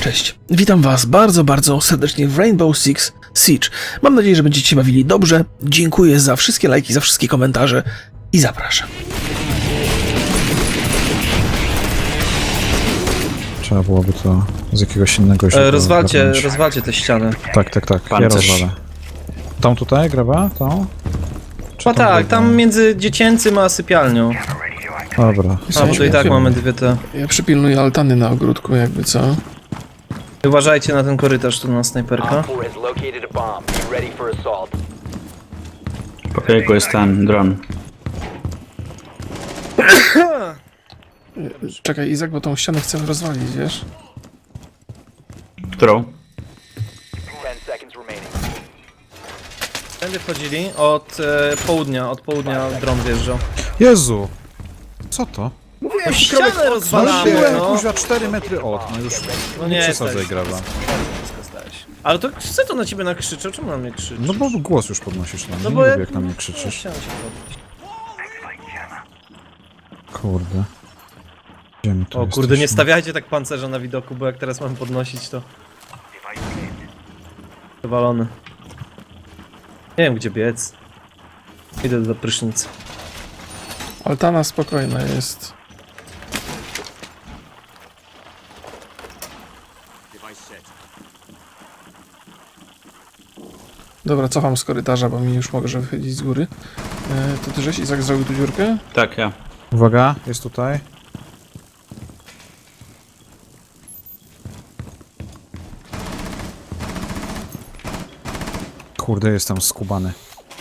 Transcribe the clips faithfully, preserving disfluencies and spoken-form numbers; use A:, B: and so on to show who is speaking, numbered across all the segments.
A: Cześć, witam was bardzo, bardzo serdecznie w Rainbow Six Siege. Mam nadzieję, że będziecie się bawili dobrze. Dziękuję za wszystkie lajki, za wszystkie komentarze i zapraszam.
B: Trzeba byłoby to z jakiegoś innego źródła
C: E, rozwalcie,
B: ogarnąć.
C: rozwalcie te ściany.
B: Tak, tak, tak. Ja
D: Pancerz.
B: rozwalę. Tą tutaj, graba? Tą? Czy
C: A
B: tą
C: tak,
B: drugą?
C: tam między dziecięcym a sypialnią.
B: Dobra.
C: A bo to i tak mamy dwie te.
A: Ja przypilnuję altany na ogródku, jakby co.
C: Uważajcie na ten korytarz tu na snajperka.
D: Po biegu jest ten dron.
A: Czekaj, Izak, bo tą ścianę chcę rozwalić, wiesz?
D: Którą?
C: Tędy wchodzili od e, południa, od południa dron wjeżdżał.
B: Jezu! Co to?
C: No ścianę rozwalamy,
B: Byłem
C: no.
B: kuźwa cztery metry od, no już
C: No
B: nie
C: nie
B: przesadzaj,
C: jesteś.
B: graba.
C: Ale to co to na ciebie nakrzyczał? Czemu na mnie krzyczysz?
B: No bo głos już podnosisz na mnie,
C: No
B: nie
C: bo ja-
B: lubię jak na mnie
C: No,
B: krzyczysz.
C: chciałem się podnieść.
B: Kurde. Gdzie my tu
C: O kurde, nie
B: jesteśmy?
C: stawiajcie tak pancerza na widoku, bo jak teraz mam podnosić to... Wywalony. Nie wiem gdzie biec. Idę do prysznicy.
A: Altana spokojna jest. Dobra, cofam z korytarza, bo mi już może wychodzić z góry. E, to ty żeś, Izak, zrobił tu dziurkę?
D: Tak, ja.
B: Uwaga, jest tutaj. Kurde, jestem skubany.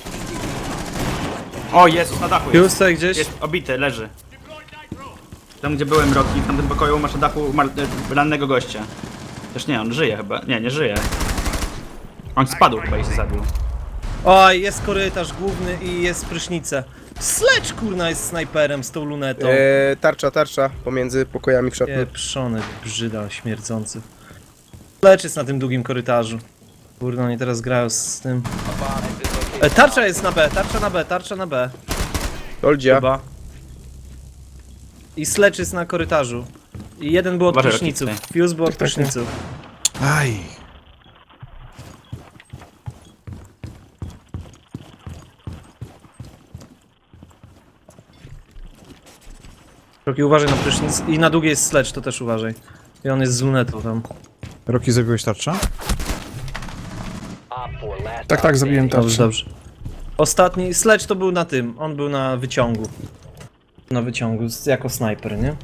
D: O, Jezus, na dachu jest.
C: Już tutaj gdzieś?
D: Jest obity, leży. Tam gdzie byłem Rocky, w tamtym pokoju masz na dachu mar- e, rannego gościa. Też nie, on żyje chyba. Nie, nie żyje. On spadł chyba i się zabił.
C: Oj, jest korytarz główny i jest prysznica. Sledge kurna jest snajperem z tą lunetą.
E: Eee, tarcza, tarcza pomiędzy pokojami w szatni.
C: Pieprzony, brzyda, śmierdzący. Sledge jest na tym długim korytarzu. Kurna, oni teraz grają z tym. E, tarcza jest na B, tarcza na B, tarcza na B.
E: Oldzia.
C: Chyba. I Sledge jest na korytarzu. I jeden był od
D: Uważaj,
C: pryszniców.
D: Rocky,
C: Fuse był od
A: Tak, tak,
C: pryszniców.
B: Aj!
C: Rocky, uważaj na prysznic. I na długiej jest Sledge, to też uważaj. I on jest z lunetą tam.
B: Roki, zabiłeś tarczę?
A: Tak, tak, zabiłem
C: Dobrze,
A: tarczę.
C: dobrze. Ostatni, Sledge to był na tym, on był na wyciągu. Na wyciągu, z- jako snajper, nie?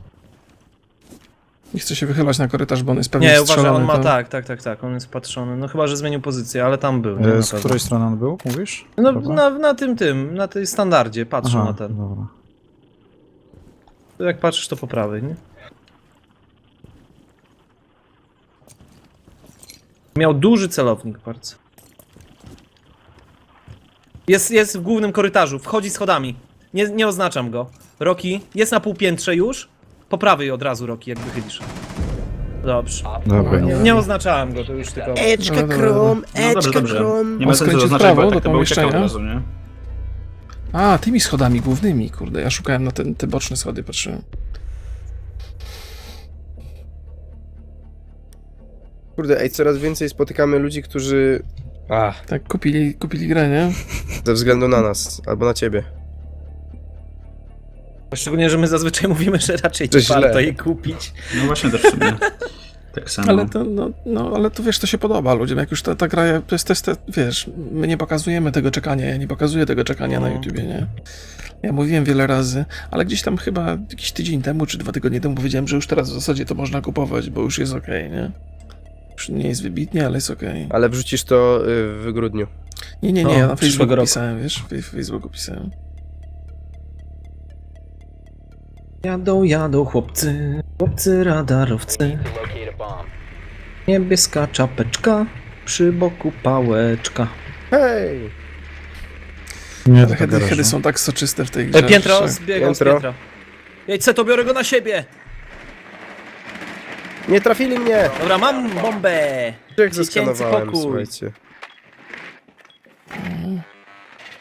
A: Nie chcę się wychylać na korytarz, bo on jest pewnie
C: Nie, uważaj,
A: strzelony.
C: on ma
A: to-
C: tak, tak, tak, tak, on jest patrzony. No chyba, że zmienił pozycję, ale tam był. Nie,
B: E,
C: na
B: z
C: pewno.
B: której strony on był, mówisz?
C: No
B: Dobra.
C: na, na tym, tym, na tej standardzie, patrzę
B: Aha,
C: na ten.
B: dobra.
C: To jak patrzysz, to po prawej, nie? Miał duży celownik bardzo. Jest, jest w głównym korytarzu, wchodzi schodami. Nie, nie oznaczam go. Rocky, jest na półpiętrze już. Po prawej od razu, Rocky, jak wychylisz. Dobrze.
B: Dobra.
A: Nie.
C: Nie oznaczałem go, to już tylko...
E: Eczka
A: Dobra, dobra,
E: krom,
D: No dobrze,
E: eczka
D: dobrze.
E: krom.
D: Nie ma sensu
A: skręcił w
D: zaznaczać,
A: prawo
D: bo
A: do
D: tak to by uciekał od
A: pomieszczenia.
D: razu, nie?
A: A, tymi schodami głównymi, kurde. Ja szukałem na ten, te boczne schody, patrzyłem.
E: Kurde, ej, coraz więcej spotykamy ludzi, którzy... Ach,
A: Tak, kupili, kupili grę, nie?
E: ze względu na nas, albo na ciebie.
C: Szczególnie, że my zazwyczaj mówimy, że raczej
E: To
C: nie warto
E: źle.
C: jej kupić.
D: No właśnie też w sumie. Tak samo.
A: Ale to, no, no, ale to wiesz, to się podoba ludziom. Jak już ta, ta gra, to jest, to jest, to, wiesz, my nie pokazujemy tego czekania, ja nie pokazuję tego czekania na
C: No.
A: YouTubie, nie? Ja mówiłem wiele razy, ale gdzieś tam chyba jakiś tydzień temu, czy dwa tygodnie temu powiedziałem, że już teraz w zasadzie to można kupować, bo już jest okej, nie? Już nie jest wybitnie, ale jest okej.
E: Ale wrzucisz to y, w grudniu.
A: Nie, nie, nie,
C: No,
A: ja na
C: przyszłego
A: Facebooku
C: roku.
A: pisałem, wiesz, w Facebooku pisałem.
C: Jadą, jadą chłopcy, chłopcy radarowcy. Niebieska czapeczka, przy boku pałeczka.
E: Hej!
B: Nie,
A: Ale
B: to
A: hedy,
B: garażu.
A: hedy są tak soczyste w tej grze.
C: E, piętro,
A: że-
C: zbiegał z
E: Piętro.
C: piętra. Jedźce, to biorę go na siebie!
E: Nie trafili mnie!
C: Dobra, mam bombę!
E: Jak
C: Dziecięcy
E: zeskanowałem,
C: pokój.
E: słuchajcie.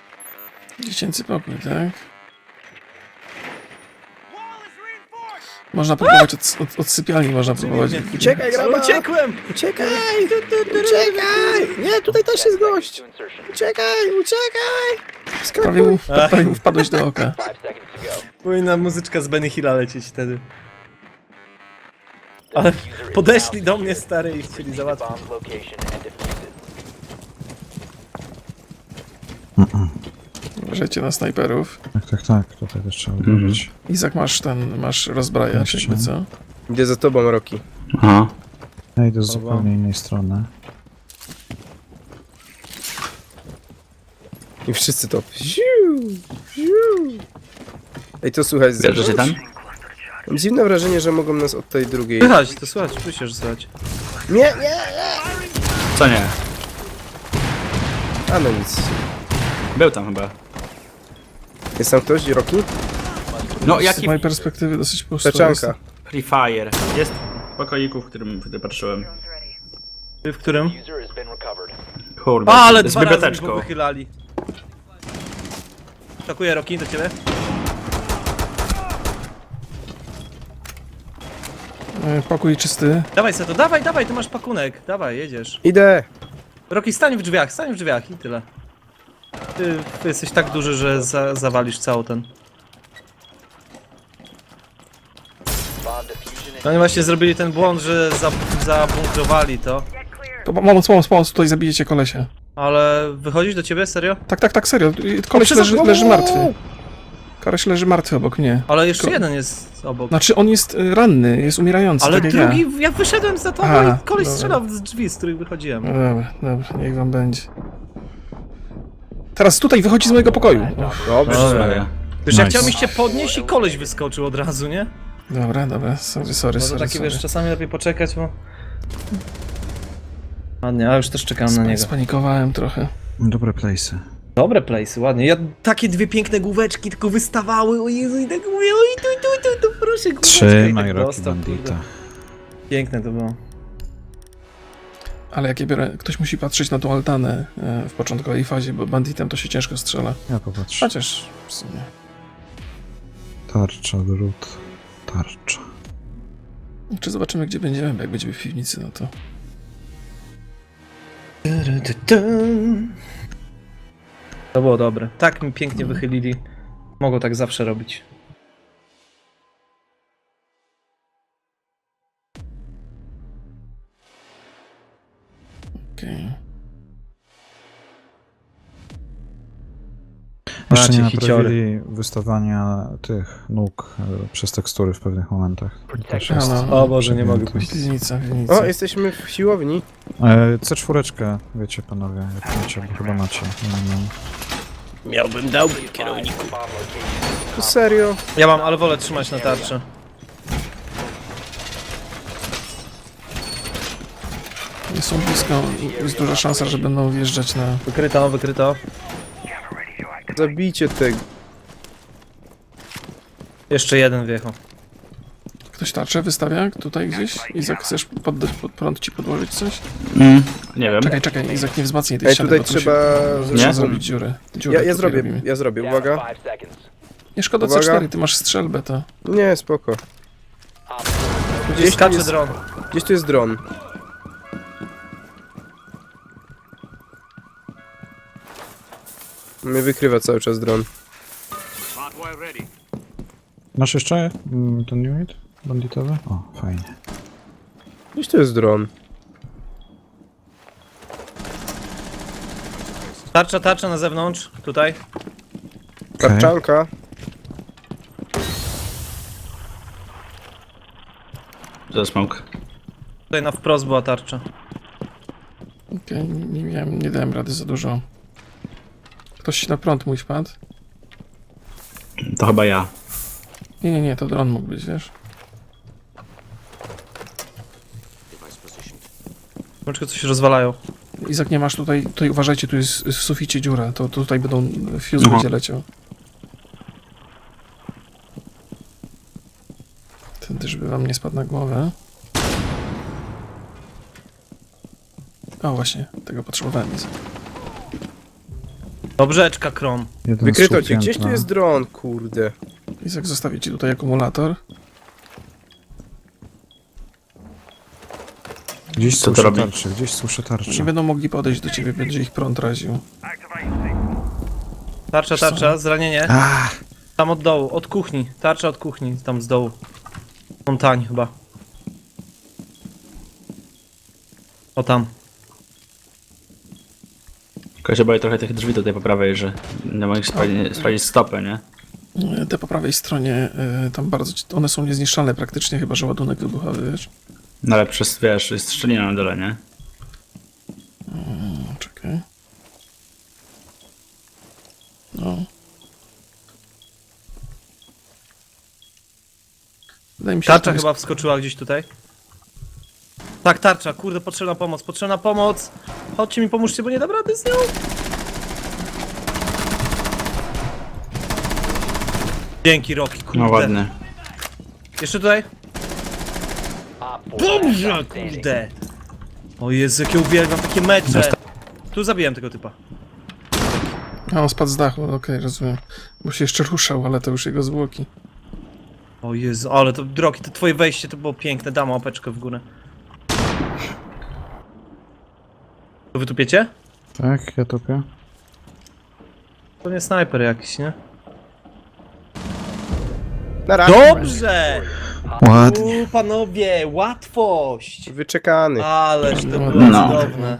A: Dziecięcy pokój, tak? Można próbować od, od, od sypialni, można próbować.
E: Uciekaj, graba!
C: Uciekłem!
E: Uciekaj! Uciekaj! Nie, tutaj też jest gość! Uciekaj, uciekaj!
A: Prawie mu,
E: Skakuj!
A: prawie mu wpadłeś do oka.
C: Powinna muzyczka z Benny Hilla lecieć wtedy. Ale podeszli do mnie stary i chcieli załatwić.
A: Uważajcie na snajperów.
B: Tak, tak, tak, tutaj też trzeba uderzyć.
A: Izak, masz ten, masz rozbrajacz,
B: Jeszcze.
A: jakby co?
E: Idę za tobą, Roki.
D: Aha.
B: Ja idę z zupełnie innej strony.
E: I wszyscy to. Ziu, ziu. Ej, to słuchaj, z
D: Bierzesz się tam?
E: Mam dziwne wrażenie, że mogą nas od tej drugiej...
C: Słychać, to słychać, oczywiście, że słychać.
E: Nie, nie!
D: Co nie?
E: A no nic.
D: Był tam chyba.
E: Jest tam ktoś, Roki?
D: No
A: Z
D: jaki
A: mojej perspektywy dosyć pusto jest.
E: Teczanka.
D: Free Fire. Jest w pokoiku, w którym wtedy patrzyłem.
C: Ty w którym?
D: Kurde,
C: A, ale
D: z
C: dwa razy mi
D: biblioteczką.
C: wychylali. Takuję Roki do ciebie.
A: E, Pokój czysty.
C: Dawaj Seto, dawaj, dawaj, tu masz pakunek. Dawaj, jedziesz.
E: Idę!
C: Roki, stań w drzwiach, stań w drzwiach i tyle. Ty, ty jesteś tak duży, że za, zawalisz cały ten. No oni właśnie zrobili ten błąd, że za, zabunkrowali to.
A: To pomoc, pomoc, pomoc, tutaj zabijecie kolesia.
C: Ale wychodzisz do ciebie, serio?
A: Tak, tak, tak, serio. Koleś
C: O,
A: leży,
C: o,
A: leży
C: o,
A: martwy. Koleś leży martwy obok mnie.
C: Ale jeszcze
A: Ko-
C: jeden jest obok.
A: Znaczy on jest y, ranny, jest umierający,
C: Ale
A: tak jak
C: drugi,
A: ja.
C: ja wyszedłem za tobą
A: Aha,
C: i koleś
A: dobra.
C: strzelał z drzwi, z których wychodziłem.
A: No dobra, dobra, niech wam będzie. Teraz tutaj wychodzi z mojego pokoju. Uff,
E: Dobrze.
D: Dobra.
C: Wiesz, ja
B: Nice.
C: chciałem iść podnieść i koleś wyskoczył od razu, nie?
A: dobra, dobra, sorry, sorry,
C: No to
A: sorry,
C: takie,
A: sorry.
C: wiesz, czasami lepiej poczekać, bo... Ładnie, a już też czekam na niego.
A: Spanikowałem trochę.
B: Dobre place'y.
C: Dobre place'y, ładnie. Ja takie dwie piękne główeczki tylko wystawały, o Jezu, i tak mówię, oj, tu, tu, tu, tu, proszę, główeczkę.
B: Trzy
C: I tak
B: Roki
C: dostał,
B: Bandita.
C: kurde. Piękne to było.
A: Ale jak ja biorę, ktoś musi patrzeć na tą altanę e, w początkowej fazie, bo banditem to się ciężko strzela.
B: Ja popatrzę.
A: Chociaż w sumie.
B: Tarcza, drut, tarcza.
A: Czy zobaczymy, gdzie będziemy, bo jak będziemy w piwnicy, no to...
C: To było dobre. Tak mi pięknie wychylili. Mogą tak zawsze robić.
A: Okej.
B: Jeszcze nie
C: Macie hiciory.
B: naprawili wystawania tych nóg e, przez tekstury w pewnych momentach. To też
A: A,
B: jest
A: no.
C: O Boże, nie mogę
B: przegięte.
C: pójść.
A: Piwnica, piwnica.
E: O, jesteśmy w siłowni.
B: E, C cztery, wiecie panowie, jak macie, bo chyba macie. Nie wiem.
C: Miałbym, dałbym kierowniku.
E: To serio?
C: Ja mam, ale wolę trzymać na tarczy.
A: Nie są blisko i jest duża szansa, że będą wjeżdżać na...
C: Wykryto, wykryto.
E: Zabijcie tego.
C: Jeszcze jeden wjechał.
A: Ktoś tarczę wystawia tutaj gdzieś? Izak, chcesz pod, pod prąd ci podłożyć coś?
D: Mm, nie wiem.
A: Czekaj, czekaj, Izak, nie wzmacnij tej
E: Ej,
A: ściany,
E: tutaj
A: bo tu
E: trzeba...
A: Się, trzeba
D: Nie?
A: zrobić dziurę. dziurę
E: Ja, ja
A: tutaj
E: zrobię,
A: robimy.
E: ja zrobię, uwaga.
A: Nie szkoda
E: Uwaga.
A: C cztery, ty masz strzelbę, to...
E: Nie, spoko.
C: Gdzieś
E: Gdzieś tu
C: skacze
E: jest,
C: dron.
E: gdzieś tu jest dron. Mnie wykrywa cały czas dron.
B: Masz jeszcze mm, ten unit banditowy? O, fajnie.
E: Gdzieś tu jest dron.
C: Tarcza, tarcza na zewnątrz, tutaj.
B: Okej.
E: Tarczanka.
D: Za smoke.
C: Tutaj na wprost była tarcza.
A: Okej, nie, nie miałem, nie dałem rady za dużo. Ktoś na prąd mój wpadł?
D: To chyba ja.
A: Nie, nie, nie, to dron mógł być, wiesz?
C: Może coś rozwalają.
A: Izak, nie masz tutaj, tutaj uważajcie, tu jest w suficie dziura, to, to tutaj będą, fuse
D: Aha.
A: będzie leciał. Ten też by wam nie spadł na głowę. O właśnie, tego potrzebowałem, Izak.
C: Dobrzeczka, Krom.
B: Jeden
E: Wykryto
B: słup
E: cię. Gdzieś tu
B: piętna.
E: jest dron, kurde.
A: Izak, zostawię ci tutaj akumulator.
B: Gdzieś
D: Co to
B: słyszę
D: robi?
B: tarczę, gdzieś słyszę
A: Nie
B: tarczę.
A: będą mogli podejść do ciebie, będzie ich prąd raził.
C: Tarcza, tarcza, zranienie.
B: A,
C: Tam od dołu, od kuchni. Tarcza od kuchni, tam z dołu. Montań chyba. O tam.
D: Tylko się boję trochę tych drzwi tutaj po prawej, że nie mogę sprawdzić, sprawdzić stopy, nie?
A: E, Te po prawej stronie, e, tam bardzo, ci- one są niezniszczalne praktycznie, chyba że ładunek wybuchowy, wiesz?
D: No ale przez, wiesz, jest szczelina na dole, nie?
A: O, czekaj. No. Wydaje mi się, że
C: Tarcza
A: tam jest-
C: chyba wskoczyła gdzieś tutaj. Tak, tarcza, kurde, potrzebna pomoc, potrzebna pomoc. Chodźcie mi, pomóżcie, bo nie dam rady z nią. Dzięki, Rocky, kurde.
D: No ładnie.
C: Jeszcze tutaj? Dobrze, kurde. O Jezu, jakie uwielbiam takie mecze. Tu zabiłem tego typa.
A: A, on spadł z dachu, okej, rozumiem. Bo się jeszcze ruszał, ale to już jego zwłoki.
C: O Jezu, ale to drogi, to twoje wejście to było piękne, dam łapeczkę w górę. To wy tupiecie?
B: tak, ja topię.
C: To nie snajper jakiś, nie?
E: Na razie.
C: Dobrze!
B: Ładnie.
C: U, panowie, łatwość!
E: Wyczekany.
C: Ależ to było
D: No.
C: cudowne.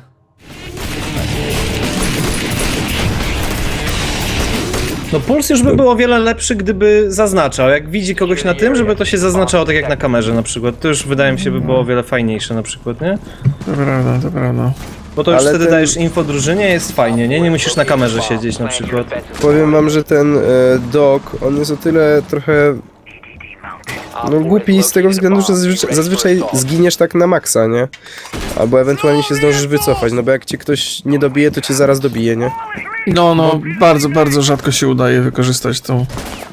C: No puls już by był o wiele lepszy, gdyby zaznaczał. Jak widzi kogoś na tym, żeby to się zaznaczało tak jak na kamerze na przykład. To już wydaje mi się by było o wiele fajniejsze na przykład, nie?
A: To prawda, to prawda.
C: Bo to już
E: Ale
C: wtedy
E: ten-
C: dajesz info drużynie, jest fajnie, nie? Nie musisz na kamerze siedzieć na przykład.
E: Powiem wam, że ten e, dog, on jest o tyle trochę no głupi z tego względu, że zazwyczaj, zazwyczaj zginiesz tak na maksa, nie? Albo ewentualnie się zdążysz wycofać, no bo jak cię ktoś nie dobije, to cię zaraz dobije, nie?
A: No, no, bardzo, bardzo rzadko się udaje wykorzystać tą...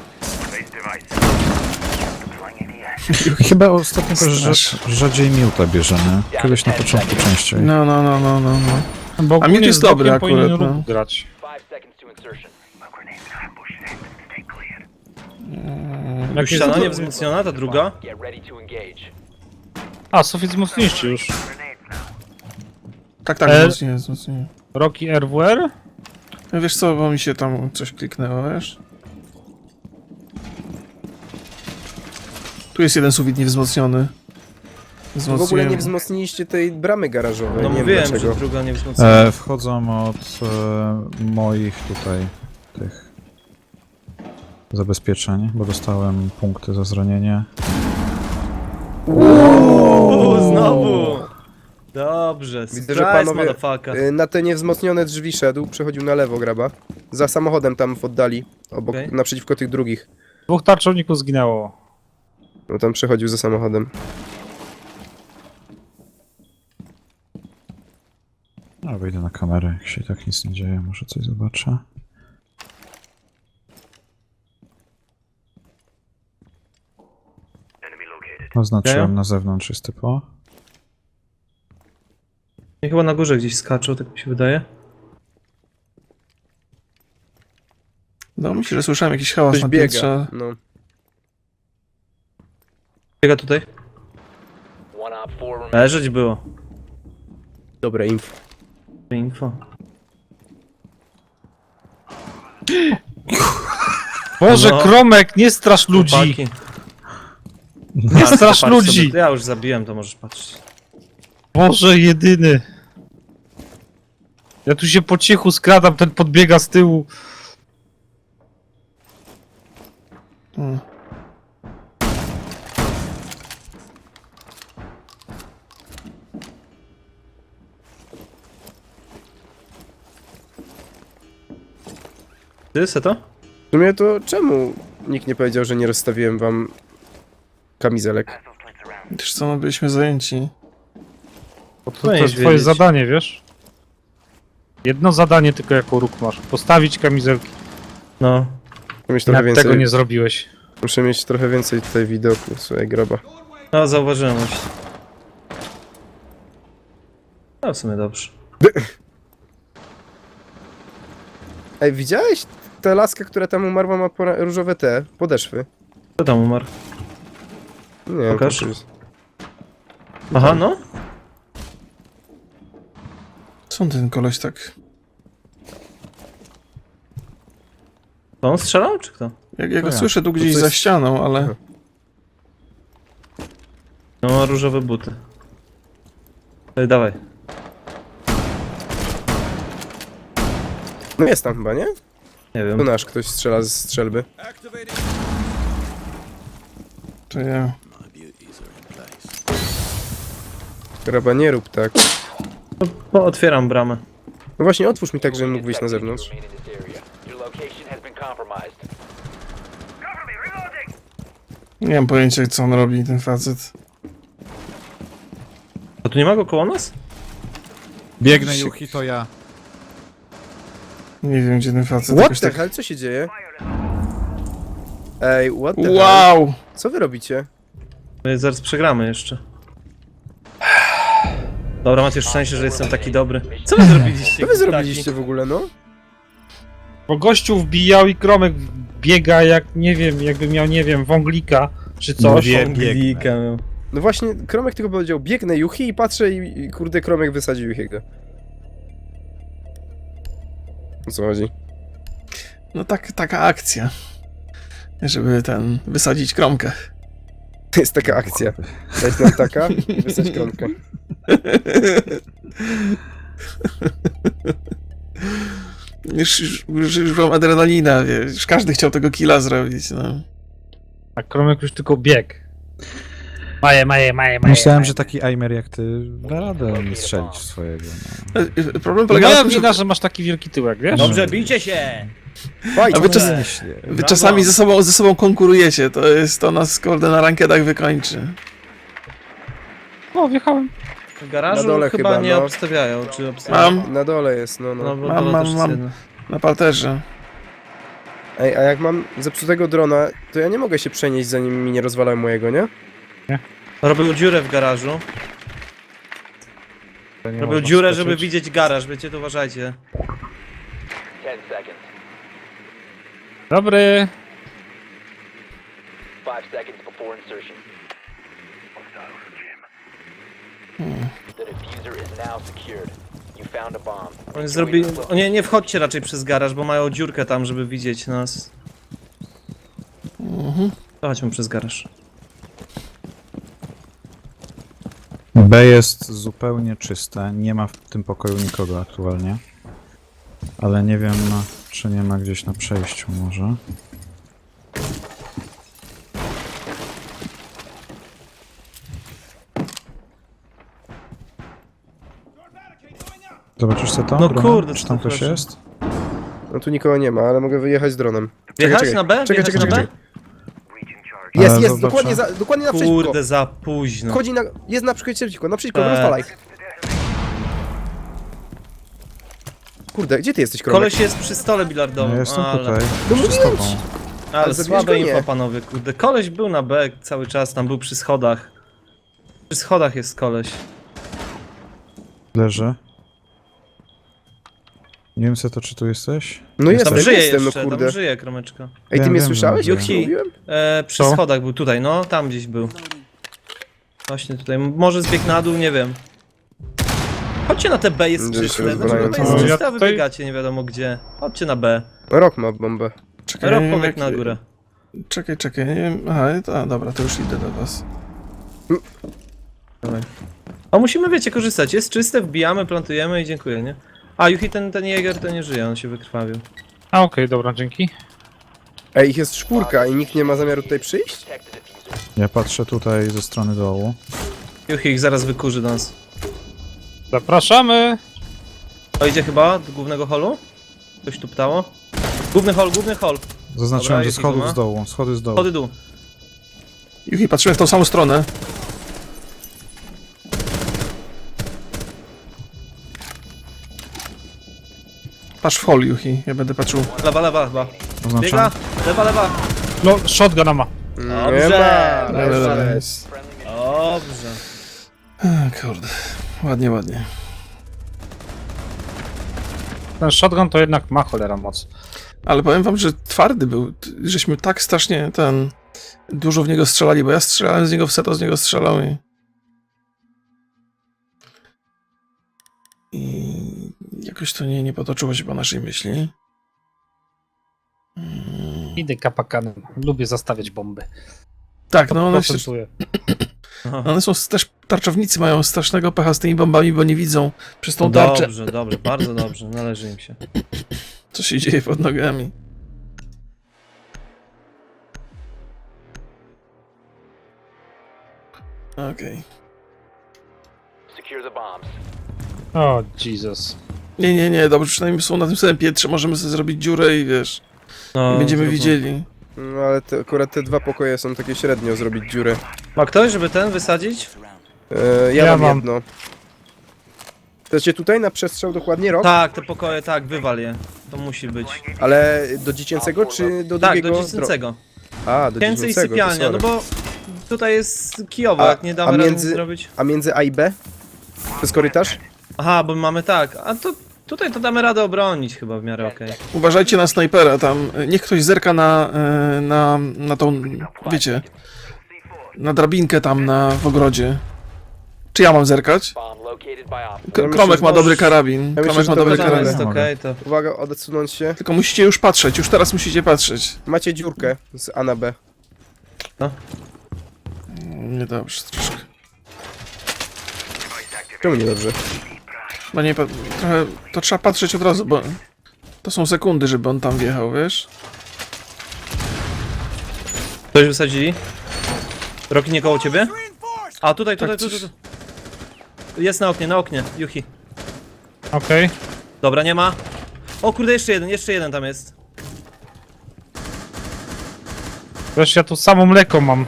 B: Chyba ostatnio też
A: Strasz.
B: rza- rzadziej miuta bierze, nie? Kiedyś na początku częściej.
A: No, no, no, no, no, no.
F: Bo
A: A miód
F: ogólnie
A: jest
F: z dokiem
A: dobry
F: powinien
A: akurat,
F: ruch
A: no.
F: grać. Jak
C: Ściana
F: jest...
C: nie wzmocniona, ta druga?
F: A, sufit mocniejszy już.
A: Tak, tak,
F: E-
A: wzmocnienie, wzmocnienie.
F: Rocky R W R?
A: No wiesz co, bo mi się tam coś kliknęło, wiesz? Tu jest jeden sufit niewzmocniony.
E: W ogóle
A: Wzmocniłem.
E: nie wzmocniliście tej bramy garażowej,
C: No
E: nie wiem
C: mówiłem, że
E: dlaczego.
C: druga nie wzmocniona.
B: E, wchodzą od e, moich tutaj tych zabezpieczeń, bo dostałem punkty za zranienie.
C: Uuu, znowu! Dobrze,
E: Widzę, że
C: surprise,
E: panowie
C: motherfucker.
E: y, na te niewzmocnione drzwi szedł, przechodził na lewo graba. Za samochodem tam w oddali, obok,
C: Okej.
E: naprzeciwko tych drugich.
F: Dwóch tarczowników zginęło.
E: No tam przechodził za samochodem.
B: No, wejdę na kamerę, jak się tak nic nie dzieje, może coś zobaczę. Oznaczyłem
C: Okej.
B: na zewnątrz jest typo.
C: Nie, chyba na górze gdzieś skaczą, tak mi się wydaje.
A: No myślę, że słyszałem jakiś hałas
E: Ktoś
A: na
E: biega.
A: piętrze.
E: No.
C: Biega tutaj. Leżeć było.
E: Dobre info.
C: Info.
F: Boże,
C: No.
F: Kromek, nie strasz ludzi!
C: Chłopaki.
F: Nie
C: A, to
F: strasz
C: patrz
F: ludzi!
C: sobie, Ja już zabiłem, to możesz patrzeć.
F: Boże, jedyny! Ja tu się po cichu skradam, ten podbiega z tyłu.
A: Hmm.
C: Ty, se to?
E: W sumie to czemu nikt nie powiedział, że nie rozstawiłem wam kamizelek?
A: Wiesz co, no byliśmy zajęci.
F: Bo to, to
C: Powinieneś
F: jest twoje
C: wiedzieć.
F: zadanie, wiesz? Jedno zadanie tylko jako róg masz. Postawić kamizelki.
C: No.
E: Muszę mieć trochę
F: Jak
E: więcej,
F: tego nie zrobiłeś.
E: muszę mieć trochę więcej tutaj widoku, słuchaj, graba.
C: No, zauważyłem już. No, w sumie dobrze.
E: Ej, widziałeś? Ta laska, która tam umarła, ma pora- różowe te podeszwy.
C: Kto tam umarł?
E: Nie wiem,
C: Pokaż.
E: to jest-
C: Aha, no.
A: Skąd ten koleś tak...
C: To on strzelał, czy kto?
A: Jak ja go
B: To ja.
A: słyszę tu gdzieś
E: to
A: za
E: jest-
A: ścianą, ale...
C: No, ma różowe buty. Ej, dawaj.
E: No jest tam chyba, nie?
C: Nie
E: Tu
C: wiem.
E: nasz ktoś strzela z strzelby.
A: To ja...
E: Graba, nie rób tak.
C: No, no, otwieram bramę.
E: No właśnie, otwórz mi tak, żebym mógł wyjść na zewnątrz.
A: Nie mam pojęcia, co on robi, ten facet.
C: A tu nie ma go koło nas?
B: Biegnę, Juchi, to ja.
A: Nie wiem, gdzie ten facet
E: What
A: jakoś
E: the
A: tak...
E: hell? Co się dzieje? Ej, what the hell?
A: Wow!
E: Co wy robicie?
C: My zaraz przegramy jeszcze. Dobra, macie szczęście, że jestem taki dobry. Co wy zrobiliście?
E: Co wy zrobiliście w ogóle, no?
F: Bo gościu wbijał i Kromek biega jak, nie wiem, jakby miał, nie wiem, wąglika czy coś.
B: Mówię,
F: On-
C: Glika, no.
E: No właśnie, Kromek tylko powiedział, biegnę Juchi i patrzę i, i kurde, Kromek wysadził Juchiego. O co chodzi?
A: No tak, taka akcja. Żeby ten... wysadzić kromkę.
E: To jest taka akcja. Dać nam taka i wysać Kromkę.
A: Już, już, już, już mam adrenalina, wiesz, każdy chciał tego killa zrobić, no.
F: A Kromek już tylko biegł. Maje, maje, maje, maje.
B: Myślałem, że taki aimer jak ty da radę nie strzelić w swojego. No.
A: E, e, Problem
F: No
A: polega na
F: moja
A: tym, że
F: wina, że masz taki wielki tyłek, wiesz?
C: Dobrze, bijcie się!
E: Fajnie,
A: A wy czas-
B: Myślę.
A: wy
C: Brawo.
A: czasami ze sobą, ze sobą konkurujecie, to jest, to nas kurde na rankedach wykończy.
F: O, wjechałem.
C: W garażu
E: Na dole
C: chyba,
E: chyba,
C: nie
E: no.
C: obstawiają, czy obstawiają?
A: Mam
E: Na dole jest, no, no.
C: No, bo
A: Mam,
C: dole
A: mam,
C: też jest
A: mam.
C: jedno.
A: na parterze.
E: Ej, a jak mam zepsutego drona, to ja nie mogę się przenieść, zanim mi nie rozwalają mojego, nie?
C: Robił dziurę w garażu.
B: To nie
C: Robił
B: można
C: dziurę,
B: skoczyć.
C: żeby widzieć garaż, wiecie, to uważajcie.
F: Dobry.
C: Oni zrobili... O nie, nie wchodźcie raczej przez garaż, bo mają dziurkę tam, żeby widzieć nas.
A: Mhm.
C: Chodźmy przez garaż.
B: B jest zupełnie czyste, nie ma w tym pokoju nikogo aktualnie. Ale nie wiem, no, czy nie ma gdzieś na przejściu może. Zobaczysz co to?
C: No
B: Bruno?
C: kurde,
B: Czy
C: co
B: tam
C: to
B: ktoś
C: proszę.
B: jest?
E: No tu nikogo nie ma, ale mogę wyjechać z dronem.
C: Wjechać
E: czekaj.
C: na B?
E: Czekaj,
C: Wjechać
E: czekaj,
C: na
E: czekaj.
C: B?
E: Jest,
B: Ale
E: jest,
B: zobaczę.
E: dokładnie, za, dokładnie na przeciwko.
C: Kurde, za późno.
E: Wchodzi na... Jest na przeciwko, na przeciwko,
C: Tak.
E: rozwalaj. Kurde, gdzie ty jesteś, Kromek?
C: Koleś jest przy stole bilardowym,
B: No, ja jestem
C: ale...
B: tutaj.
E: No
B: Przy
E: mówiłem
B: tobą.
E: ci.
C: Ale
E: Ale zabijesz
C: słabe
E: go? Nie.
C: info, panowie, kurde. Koleś był na B cały czas, tam był przy schodach. Przy schodach jest koleś.
B: Leży. Nie wiem co to, czy tu jesteś?
E: No
C: Tam
E: jestem,
C: żyje
E: jestem, no
C: jeszcze,
E: kurde.
C: tam żyje, kromeczka.
E: Ej, ty
B: Wiem,
E: mnie
B: wiem,
E: słyszałeś,
B: wiem,
E: jak
C: wiem.
E: ci mówiłem?
C: E, przy
B: Co?
C: schodach był tutaj, no, tam gdzieś był. Właśnie tutaj, może zbieg na dół, nie wiem. Chodźcie na te B, jest
E: Gdzieś
C: czyste.
E: się
C: Dlaczego B
E: rozwalają.
C: jest
F: Ja
C: czyste, a wy
F: tutaj-
C: biegacie nie wiadomo gdzie. Chodźcie na B.
E: Rok ma bombę.
A: Czekaj,
C: Rob
A: nie wiem,
C: pobiegł
A: jak-
C: na górę.
A: Czekaj, czekaj, nie wiem. Aha, to, a, dobra, to już idę do was.
C: Dawaj. A musimy, wiecie, korzystać. Jest czyste, wbijamy, plantujemy i dziękuję, nie? A, Juchi, ten, ten Jäger to nie żyje, on się wykrwawił.
F: A okej, dobra, dzięki.
E: Ej, ich jest czwórka i nikt nie ma zamiaru tutaj przyjść?
B: Ja patrzę tutaj ze strony dołu.
C: Juchi ich zaraz wykurzy do nas.
F: Zapraszamy.
C: O, idzie chyba do głównego holu? Coś tu ptało? Główny hol, główny hol.
B: Zaznaczyłem,
C: Dobra,
B: że
C: jest
B: schodów
C: ich, no.
B: z dołu, schody z dołu.
C: Chody dół.
A: Juchi, patrzyłem w tą samą stronę. Patrz w hol, Juchi, ja będę patrzył.
C: Lewa, lewa chyba.
B: Oznaczam.
C: Biega, lewa, lewa.
F: No, shotguna ma.
E: Nie
C: Dobrze.
E: ma.
A: Dobra, dobra,
E: Dobrze.
A: jest.
C: Dobrze.
A: A, kurde, ładnie, ładnie.
F: Ten shotgun to jednak ma cholera moc.
A: Ale powiem wam, że twardy był. T- Żeśmy tak strasznie ten... dużo w niego strzelali, bo ja strzelałem z niego w seto, z niego strzelał i... I jakoś to nie, nie potoczyło się po naszej myśli. Mm.
F: Idę kapakanem. Lubię zastawiać bomby.
A: Tak, no one, się,
F: Procentuję.
A: one są też, tarczownicy mają strasznego pecha z tymi bombami, bo nie widzą przez tą tarczę,
C: Dobrze, dobrze, bardzo dobrze, należy im się.
A: co się dzieje pod nogami. Okej.
F: O, Jesus.
A: Nie, nie, nie, dobrze, przynajmniej są na tym samym piętrze, możemy sobie zrobić dziurę i wiesz,
C: No,
A: i będziemy
C: zróbmy.
A: widzieli.
E: No ale te, akurat te dwa pokoje są takie średnio zrobić dziurę.
C: Ma ktoś, żeby ten wysadzić?
E: E, ja,
F: Ja
E: mam
F: mam.
E: jedno. Chcecie tutaj na przestrzał dokładnie rok?
C: Tak, te pokoje, tak, wywal je. To musi być.
E: Ale do dziecięcego czy do
C: Tak,
E: drugiego?
C: do dziecięcego.
E: A, do
C: Dziecięcy i
E: dziecięcego, to
C: sypialnia,
E: sorry.
C: no bo tutaj jest kijowo,
E: A-
C: jak nie damy
E: a
C: rady
E: między-
C: nic zrobić.
E: A między A i B? To jest korytarz?
C: Aha, bo mamy tak, a to tutaj to damy radę obronić chyba w miarę okej.
A: Uważajcie na snajpera tam, niech ktoś zerka na, e, na, na tą, wiecie, na drabinkę tam na, w ogrodzie. Czy ja mam zerkać? K-
E: myślę,
A: Kromek
E: że
A: ma dobry
E: możesz-
A: karabin,
E: myślę,
A: Kromek
E: że
A: ma
E: to
A: dobry
E: będzie
C: To
A: karabin.
C: jest
B: Mogę.
C: okej, to...
E: Uwaga, odsunąć się.
A: Tylko musicie już patrzeć, już teraz musicie patrzeć.
E: Macie dziurkę z A na B.
A: Niedobrze troszkę.
E: Czemu niedobrze?
A: No nie, pa- trochę, to trzeba patrzeć od razu, bo to są sekundy, żeby on tam wjechał, wiesz?
C: Ktoś wysadzili? Roki nie koło ciebie? A tutaj, tutaj,
A: Tak,
C: tutaj,
A: coś-
C: tu. Jest na oknie, na oknie, Yuki.
F: Okej.
C: Dobra, nie ma. O kurde, jeszcze jeden, jeszcze jeden tam jest.
F: Wreszcie ja tu samo mleko mam.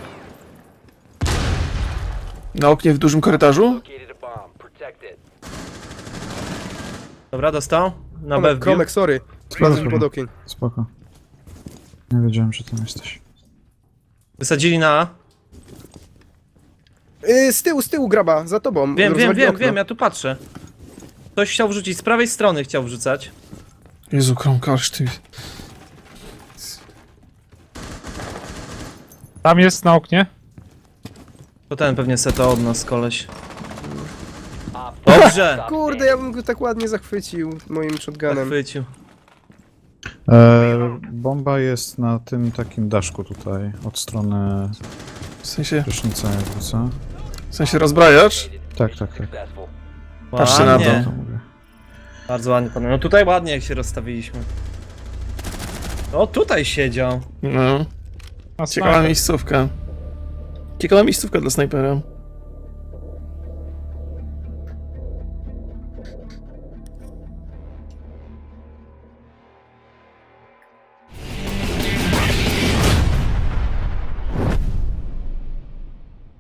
A: Na oknie w dużym korytarzu?
C: Dobra, dostał. Na B
E: Kromek,
C: wbił.
E: Kromek, sorry. Spadłem pod okien.
B: Spoko. Nie wiedziałem, że tam jesteś.
C: Wysadzili na A.
E: Yy, z tyłu, z tyłu graba, za tobą.
C: Wiem, wiem,
E: Rozwali
C: wiem,
E: okno.
C: wiem, ja tu patrzę. Ktoś chciał wrzucić, z prawej strony chciał wrzucać.
A: Jezu, Kromkarz, ty...
F: Tam jest na oknie.
C: To ten pewnie seta od nas, koleś. Dobrze!
E: Kurde, ja bym go tak ładnie zachwycił moim shotgunem.
C: Zachwycił.
B: E, bomba jest na tym takim daszku tutaj, od strony
A: W sensie,
B: prysznica jakby, co?
A: w sensie rozbrajacz?
B: Tak, tak, tak.
A: Patrzcie na
C: Ładnie.
A: to.
B: To mówię.
C: Bardzo ładnie, panowie. No tutaj ładnie jak się rozstawiliśmy. O, tutaj siedział.
A: No,
F: A
A: ciekawa
F: snajper.
A: miejscówka. Ciekawa miejscówka dla snajpera.